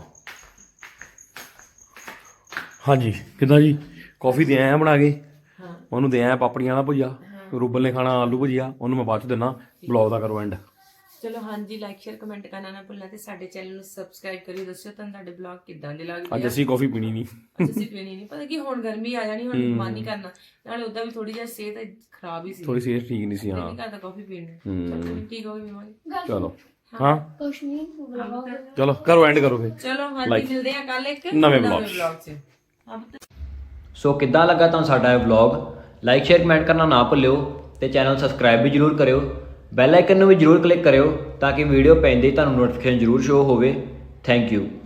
B: ਹਾਂਜੀ ਕਿੱਦਾਂ ਜੀ ਕੌਫੀ ਦੇ ਆਇਆ ਬਣਾ ਕੇ। ਉਹਨੂੰ ਦੇ ਆਇਆ ਪਾਪੜੀਆਂ ਵਾਲਾ ਭੁਜੀਆ। ਰੂਬਲ ਨੇ ਖਾਣਾ ਆਲੂ ਭੁਜੀਆ ਉਹਨੂੰ ਮੈਂ ਬਾਅਦ ਚ ਦਿੰਦਾ। ਬਲੌਗ ਦਾ ਕਰੋ ਐਂਡ।
E: ਚਲੋ ਹਾਂਜੀ ਲਾਈਕ ਸ਼ੇਅਰ ਕਮੈਂਟ ਕਰਨਾ ਨਾ ਭੁੱਲਣਾ ਤੇ ਸਾਡੇ ਚੈਨਲ ਨੂੰ ਸਬਸਕ੍ਰਾਈਬ ਕਰਿਓ। ਦੱਸਿਓ ਤੁਹਾਨੂੰ ਸਾਡੇ ਬਲੌਗ ਕਿੱਦਾਂ ਦੇ ਲੱਗਦੇ
B: ਅੱਜ ਅਸੀਂ ਕੌਫੀ ਪੀਣੀ ਨਹੀਂ।
E: ਆ। ਅਸੀਂ ਪੀਣੀ ਨਹੀਂ ਪਤਾ ਕੀ ਹੁਣ ਗਰਮੀ ਆ ਜਾਣੀ ਹੁਣ ਮਨ ਨਹੀਂ ਕਰਨਾ। ਨਾਲੇ ਉਦਾਂ ਵੀ ਥੋੜੀ ਜਿਹੀ ਸਿਹਤ ਖਰਾਬ ਹੀ ਸੀ।
B: ਥੋੜੀ ਸਿਹਤ ਠੀਕ ਨਹੀਂ ਸੀ ਹਾਂ।
E: ਨਹੀਂ ਕਰਦਾ ਕਾਫੀ ਪੀਣ ਨੂੰ। ਚਲੋ ਠੀਕ ਹੋ ਗਈ ਬਿਮਾਰੀ।
B: ਚਲੋ ਹਾਂ
A: ਕੁਛ ਨਹੀਂ ਬੁਲਾਓ।
B: ਚਲੋ ਕਰੋ ਐਂਡ ਕਰੋ ਫਿਰ।
E: ਚਲੋ ਹਾਂਜੀ ਮਿਲਦੇ ਆ ਕੱਲ ਇੱਕ
B: ਨਵੇਂ vlog
E: 'ਚ।
F: ਸੋ ਕਿੱਦਾਂ ਲੱਗਾ ਤੁਹਾਨੂੰ ਸਾਡਾ ਇਹ ਵਲੌਗ? ਲਾਈਕ ਸ਼ੇਅਰ ਕਮੈਂਟ ਕਰਨਾ ਨਾ ਭੁੱਲਿਓ ਤੇ ਚੈਨਲ ਸਬਸਕ੍ਰਾਈਬ ਵੀ ਜਰੂਰ ਕਰਿਓ। ਬੈਲ ਆਈਕਨ ਨੂੰ ਵੀ ਜਰੂਰ ਕਲਿੱਕ ਕਰਿਓ ਤਾਂ ਕਿ ਵੀਡੀਓ ਪੈਂਦੇ ਹੀ ਤੁਹਾਨੂੰ ਨੋਟੀਫਿਕੇਸ਼ਨ ਜਰੂਰ ਸ਼ੋ ਹੋਵੇ। Thank you.